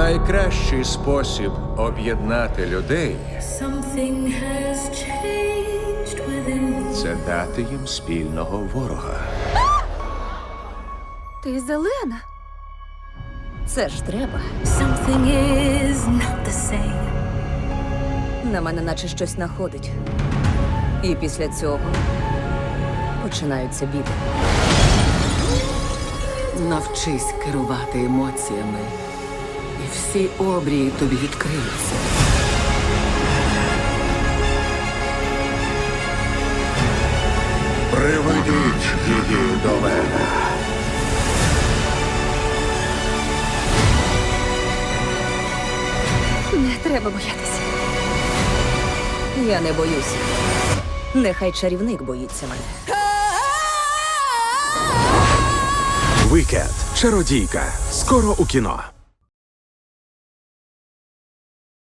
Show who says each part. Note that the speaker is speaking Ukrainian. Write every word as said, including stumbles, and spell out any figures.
Speaker 1: Найкращий спосіб об'єднати людей
Speaker 2: Something has changed within me.
Speaker 1: – це дати їм спільного ворога.
Speaker 3: Ти зелена. Це ж треба.
Speaker 2: Something is not the same.
Speaker 3: На мене наче щось находить. І після цього починаються біди.
Speaker 4: Навчись керувати емоціями, і всі обрії тобі відкриються.
Speaker 1: Приведіть її до мене.
Speaker 3: Не треба боятися. Я не боюся. Нехай чарівник боїться мене.
Speaker 5: Вікед. Чародійка. Скоро у кіно.